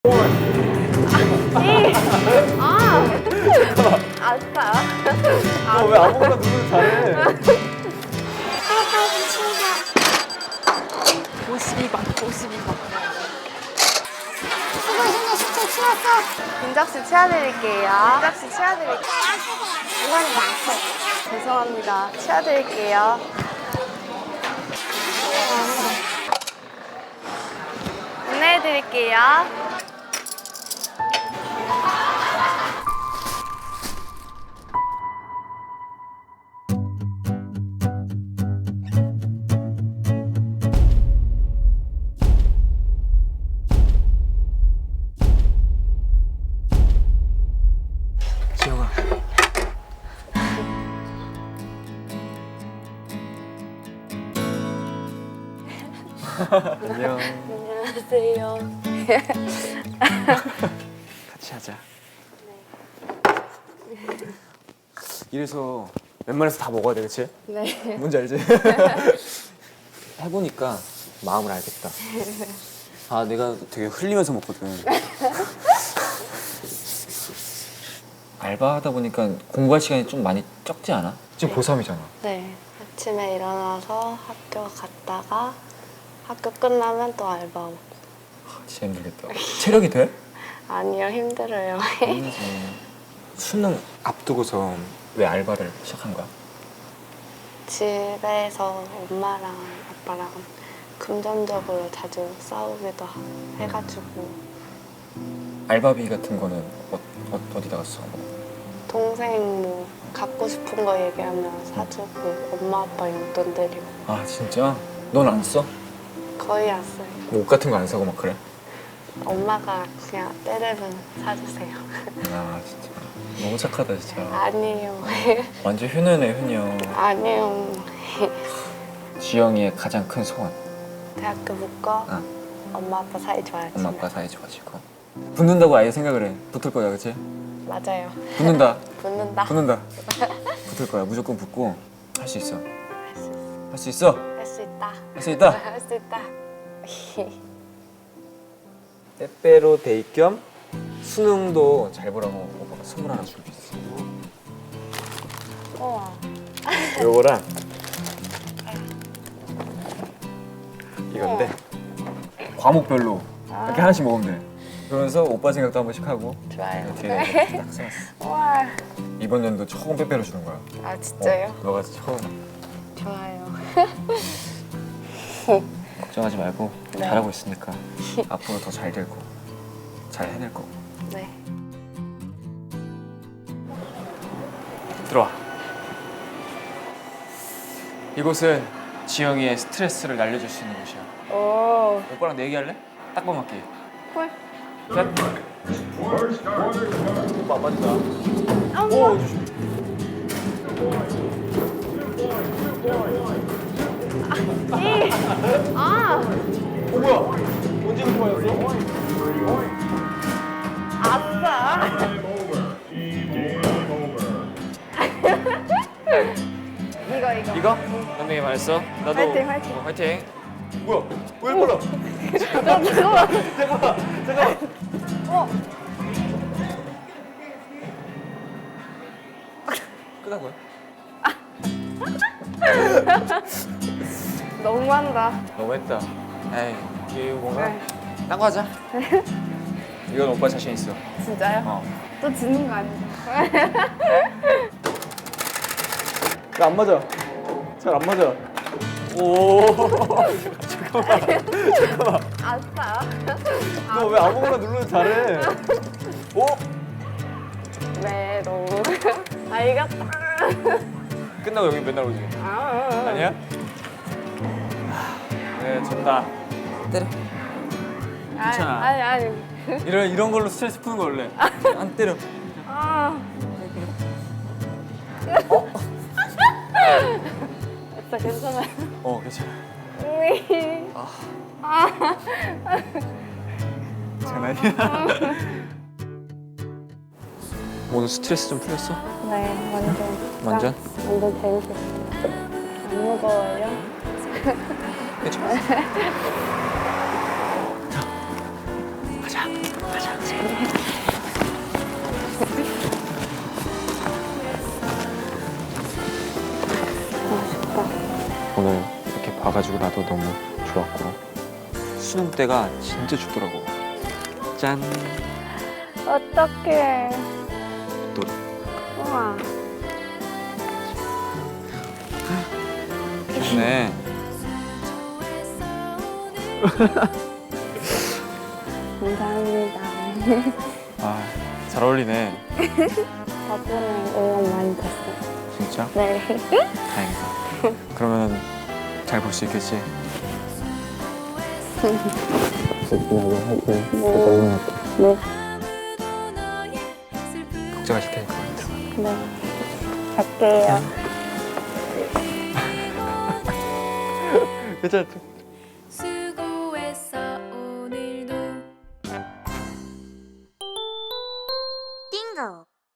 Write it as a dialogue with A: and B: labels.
A: 알았어요.
B: 너 왜 아무거나 누르면 잘해?
A: 52번, 52번.
C: 수고 힘내 숙제 치웠어.
A: 민석씨 치워드릴게요. 민석씨 치워드릴게요.
C: 이거는 나한테.
A: 죄송합니다. 치워드릴게요. 안내해드릴게요.
B: 지영아. 안녕.
A: 안녕하세요.
B: 같이 하자. 이래서 웬만해서 다 먹어야 돼, 그치?
A: 네.
B: 뭔지 알지? 해보니까 마음을 알겠다. 아, 내가 되게 흘리면서 먹거든. 알바하다 보니까 공부할 시간이 좀 많이 적지 않아? 지금 고3이잖아.
A: 네. 아침에 일어나서 학교 갔다가 학교 끝나면 또 알바하고.
B: 진짜 힘들겠다. 체력이 돼?
A: 아니요, 힘들어요.
B: 수능 앞두고서 왜 알바를 시작한 거야?
A: 집에서 엄마랑 아빠랑 금전적으로 자주 싸우기도 해가지고
B: 알바비 같은 거는 어디다가 써?
A: 동생 뭐 갖고 싶은 거 얘기하면 사주고 엄마 아빠 용돈 드리고
B: 아, 진짜? 넌 안 써?
A: 거의 안 써요.
B: 뭐 옷 같은 거 안 사고 막 그래?
A: 엄마가 그냥 때려면 사주세요.
B: 아, 진짜 너무 착하다, 진짜.
A: 아니에요.
B: 완전 효녀네, 효녀.
A: 아니에요.
B: 지영이의 가장 큰 소원.
A: 대학교 붙고
B: 아.
A: 엄마 아빠 사이 좋아야지.
B: 엄마 아빠 사이 좋아지고. 붙는다고 아예 생각을 해. 붙을 거야, 그치?
A: 맞아요.
B: 붙는다.
A: 붙는다.
B: 붙는다. 붙을 거야. 무조건 붙고 할 수 있어.
A: 할 수 있어.
B: 할 수 있어.
A: 할 수 있다.
B: 할 수 있다.
A: 할 수 있다.
B: 빼빼로 데이 겸 수능도 잘 보라고 오빠가 선물 하나 준비했어.
A: 우와.
B: 요거랑 이건데 과목별로 이렇게 하나씩 먹으면 돼. 그러면서 오빠 생각도 한 번씩 하고
A: 좋아요.
B: 뒤에 딱 써놨어.
A: 우와.
B: 이번 연도 처음 빼빼로 주는 거야.
A: 아 진짜요?
B: 너가 처음.
A: 좋아요.
B: 걱정하지 말고
A: 네.
B: 잘하고 있으니까 앞으로 더 잘 될 거고 잘 해낼 거고.
A: 네.
B: 들어와. 이곳은 지영이의 스트레스를 날려줄 수 있는 곳이야.
A: 오.
B: 오빠랑 내기할래? 딱밤 맞기.
A: 헐.
B: 셋. 오빠 안 맞는다. 오, 조심.
A: 아.
B: 오, 뭐야? 언제 그렇게 맞았어?
A: 아싸. 이거.
B: 이거? 남동이 말했어? 나도.
A: 화이팅, 화이팅.
B: 화이팅. 뭐야? 왜 빨라?
A: 잠깐만.
B: 잠깐만.
A: 어.
B: 끝난 거야?
A: 너무한다.
B: 너무했다. 에이, 이게 뭔가
A: 네.
B: 딴 거 하자. 이건 오빠 자신 있어.
A: 진짜요?
B: 어.
A: 또 지는 거 아니죠?
B: 나 안 맞아. 잘 안 맞아. 오. 잠깐만.
A: 아싸.
B: 너 왜 아무거나 누르면 잘해? 오?
A: 네, 너무. 아, 이겼다.
B: 끝나고 여기 맨날 오지. 아니야? 네, 졌다. 때려. 괜찮아.
A: 아니.
B: 이런 걸로 스트레스 푸는 거 원래. 안 때려.
A: 아. 아싸, 괜찮아요.
B: 괜찮아.
A: 아.
B: 장난이야. 오늘 스트레스 좀 풀렸어?
A: 네, 완전.
B: 완전?
A: 완전 재밌었어요. 안 무거워요?
B: 괜찮아. 자, 가자.
A: 맛있다.
B: 오늘 이렇게 봐가지고 나도 너무 좋았고 수능 때가 진짜 춥더라고. 짠.
A: 어떡해.
B: 또
A: 우와.
B: 네.
A: 감사합니다.
B: 아, 잘 어울리네.
A: 덕분에 응원 많이 됐어요.
B: 진짜?
A: 네.
B: 다행이다. 그러면 잘 볼 수 있겠지?
A: 네. 네.
B: 걱정하실 테니까 들어가.
A: 네. 갈게요.
B: 괜찮아.
D: 수고했어 오늘도
C: 띵고